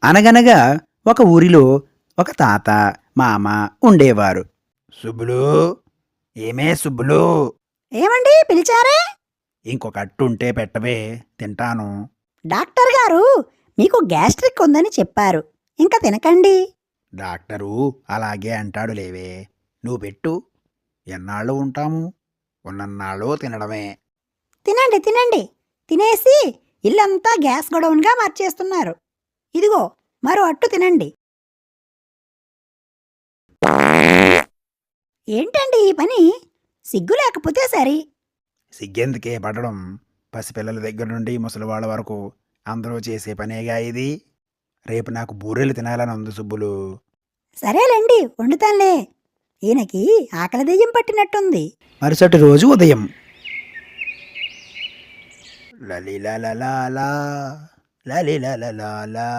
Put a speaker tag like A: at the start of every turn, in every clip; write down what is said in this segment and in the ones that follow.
A: అనగనగా ఒక ఊరిలో ఒక తాత, మామ ఉండేవారు. సుబ్బులు, ఏమే సుబ్బులు,
B: ఏమండి పిలిచారే?
A: ఇంకొక అట్టుంటే పెట్టవే, తింటాను.
B: డాక్టర్ గారు మీకు గ్యాస్ట్రిక్ ఉందని చెప్పారు. ఇంకా తినకండి.
A: డాక్టరు అలాగే అంటాడు లేవే. నువ్వు పెట్టు. ఎన్నాళ్ళు ఉంటాము? ఉన్నన్నాళ్ళు తినడమే.
B: తినండి తినండి. తినేసి ఇల్లంతా గ్యాస్ గొడౌన్గా మార్చేస్తున్నారు. ఇదిగో మరో అట్టు తినండి. ఏంటండి ఈ పని? సిగ్గు లేకపోతే సరి.
A: సిగ్గెందుకే పడడం? పసిపిల్లల దగ్గర నుండి ముసలివాళ్ళ వరకు అందరూ చేసే పనేగా ఇది. రేపు నాకు బూరెలు తినాలని ఉంది సుబ్బులు.
B: సరేలేండి వండుతానులే. ఈయనకి ఆకలి దెయ్యం పట్టినట్టుంది.
A: మరుసటి రోజు ఉదయం లలిలలలాలా, లలిలలలాలా.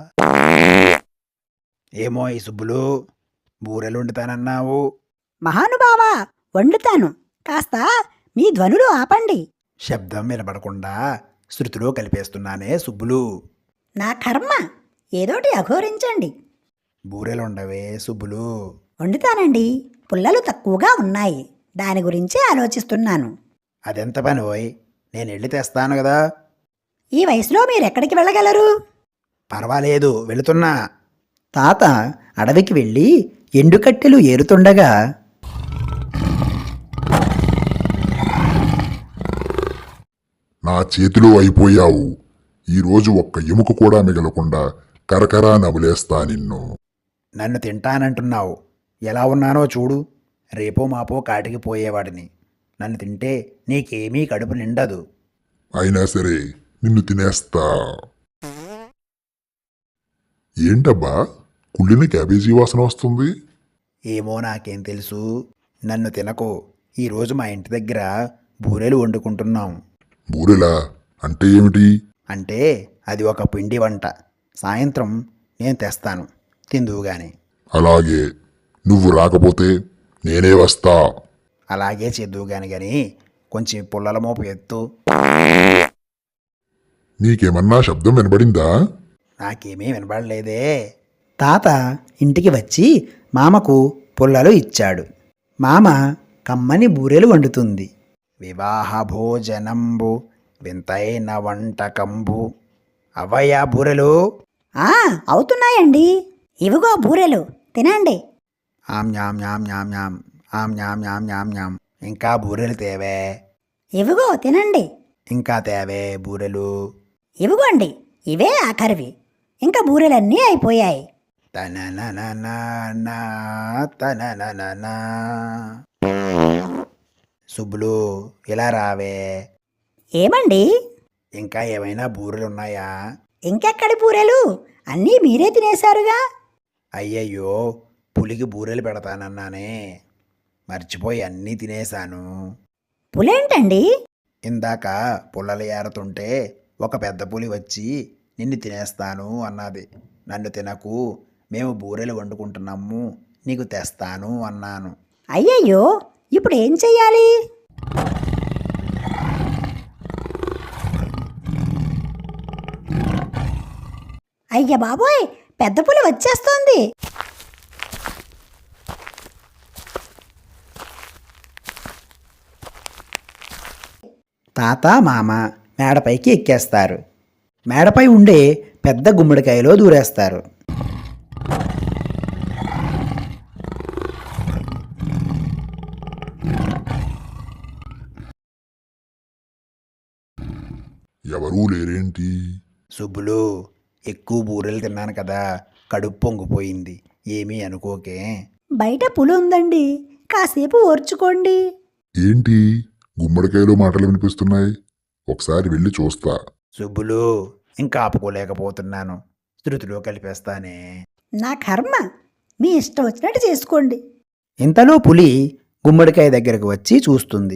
A: ఏమో ఈ సుబ్బులు, బూరెలు వండుతానన్నావు.
B: మహానుభావా, వండుతాను. కాస్త మీ ధ్వనులు ఆపండి.
A: శబ్దం వినపడకుండా శృతిలో కలిపేస్తున్నానే సుబ్బులు.
B: నా కర్మ, ఏదోటి అఘోరించండి.
A: బూరెలుండవే సుబ్బులు.
B: వండుతానండి. పుల్లలు తక్కువగా ఉన్నాయి. దాని గురించే ఆలోచిస్తున్నాను.
A: అదెంత పని ఓయ్, నేను వెళ్ళి తెస్తాను కదా.
B: ఈ వయసులో మీరెక్కడికి వెళ్ళగలరు?
A: పర్వాలేదు, వెళుతున్నా.
C: తాత అడవికి వెళ్ళి ఎండుకట్టెలు ఏరుతుండగా
D: నా చేతిలో అయిపోయావు. ఈరోజు ఒక్క ఎముక కూడా మిగలకుండా కరకరా నవ్వులేస్తా నిన్ను.
A: నన్ను తింటానంటున్నావు. ఎలా ఉన్నానో చూడు. రేపో మాపో కాటికి పోయేవాడిని. నన్ను తింటే నీకేమీ కడుపు నిండదు.
D: అయినా సరే నిన్ను తినేస్తా. ఏంటబ్బా, కుళ్ళిన క్యాబేజీ వాసన వస్తుంది?
A: ఏమో నాకేం తెలుసు. నన్ను తినకు. ఈరోజు మా ఇంటి దగ్గర బూరెలు వండుకుంటున్నాం.
D: బూరెలా అంటే ఏమిటి?
A: అంటే అది ఒక పిండి వంట. సాయంత్రం నేను తెస్తాను, తిందువుగాని.
D: అలాగే, నువ్వు రాకపోతే నేనే వస్తా.
A: అలాగే చేద్దువుగాని గాని కొంచెం పుల్లల మోపు ఎత్తు.
D: నీకేమన్నా శబ్దం వినబడిందా?
A: నాకేమీ వినపడలేదే.
C: తాత ఇంటికి వచ్చి మామకు పుల్లలు ఇచ్చాడు. మామ కమ్మని బూరెలు వండుతుంది.
A: వివాహ భోజనంబు వింతైన వంటకంబు. అవయ్యా బూరెలు.
B: అవుతున్నాయండి. ఇవిగో బూరెలు, తినండి.
A: ఆమ్ న్యామ్ న్యామ్ న్యామ్ న్యామ్, ఆమ్ న్యామ్ న్యామ్ న్యామ్ న్యామ్. ఇంకా బూరెలు తేవే.
B: ఇవిగో తినండి.
A: ఇంకా తేవే బూరెలు.
B: ఇవిగోండి, ఇవే ఆఖరివి. ఇంకా బూరెలన్నీ అయిపోయాయి.
A: తననననా, తననననా. సుబ్బులు, ఇలా రావే.
B: ఏమండి?
A: ఇంకా ఏమైనా బూరెలున్నాయా?
B: ఇంకెక్కడి బూరెలు? అన్నీ మీరే తినేశారుగా.
A: అయ్యయ్యో, పులికి బూరెలు పెడతానన్నానే, మర్చిపోయి అన్నీ తినేశాను.
B: పులేంటండి?
A: ఇందాక పుల్లలు ఏరుతుంటే ఒక పెద్ద పులి వచ్చి నిన్ను తినేస్తాను అన్నది. నన్ను తినకు, మేము బూరెలు వండుకుంటున్నాము, నీకు తెస్తాను అన్నాను.
B: అయ్యయ్యో, ఇప్పుడు ఏం చెయ్యాలి? అయ్య బాబోయ్, పెద్ద పులి వచ్చేస్తోంది.
C: తాత మామ మేడపైకి ఎక్కేస్తారు. మేడపై ఉండే పెద్ద గుమ్మడికాయలో దూరేస్తారు.
D: ఎవరూ లేరేంటి?
A: సుబ్బులు, ఎక్కువ బూరెలు తిన్నాను కదా, కడుపు పొంగిపోయింది. ఏమీ అనుకోకే.
B: బయట పులి ఉందండి, కాసేపు ఓర్చుకోండి.
D: ఏంటి గుమ్మడికాయలో మాటలు వినిపిస్తున్నాయి? ఒకసారి వెళ్ళి చూస్తా.
A: సుబ్బులు, ఇంకా ఆపుకోలేకపోతున్నాను. శృతిలో కలిపేస్తానే.
B: నా కర్మ, మీ ఇష్టం వచ్చినట్టు చేసుకోండి.
C: ఇంతలో పులి గుమ్మడికాయ దగ్గరకు వచ్చి చూస్తుంది.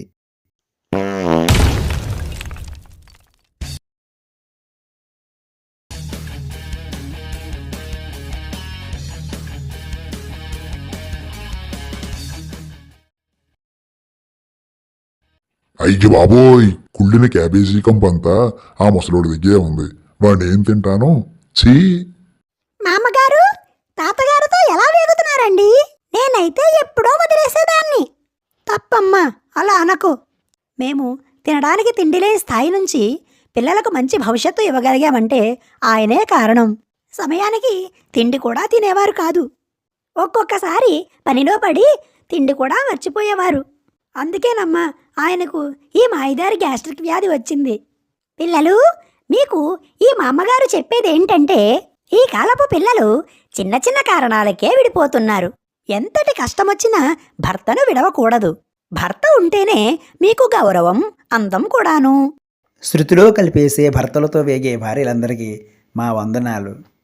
D: అయ్యి బాబోయ్, కుళ్ళిన క్యాబేజీ కంపంతా ఆ ముసలోడి దగ్గరే ఉంది. వాడిని ఏం తింటాను? ఛీ!
B: మామగారు తాతగారితో ఎలా వేగుతున్నారండి? నేనైతే ఎప్పుడో వదిలేసేదాన్ని. తప్పమ్మా, అలా అనకు. మేము తినడానికి తిండి లేని స్థాయి నుంచి పిల్లలకు మంచి భవిష్యత్తు ఇవ్వగలిగామంటే ఆయనే కారణం. సమయానికి తిండి కూడా తినేవారు కాదు. ఒక్కొక్కసారి పనిలో పడి తిండి కూడా మర్చిపోయేవారు. అందుకేనమ్మా ఆయనకు ఈ మాయిదారి గ్యాస్ట్రిక్ వ్యాధి వచ్చింది. పిల్లలు, మీకు ఈ మా అమ్మగారు చెప్పేదేంటంటే, ఈ కాలపు పిల్లలు చిన్న చిన్న కారణాలకే విడిపోతున్నారు. ఎంతటి కష్టమొచ్చినా భర్తను విడవకూడదు. భర్త ఉంటేనే మీకు గౌరవం, అందం కూడాను.
C: శృతిలో కలిపేసే భర్తలతో వేగే భార్యలందరికీ మా వందనాలు.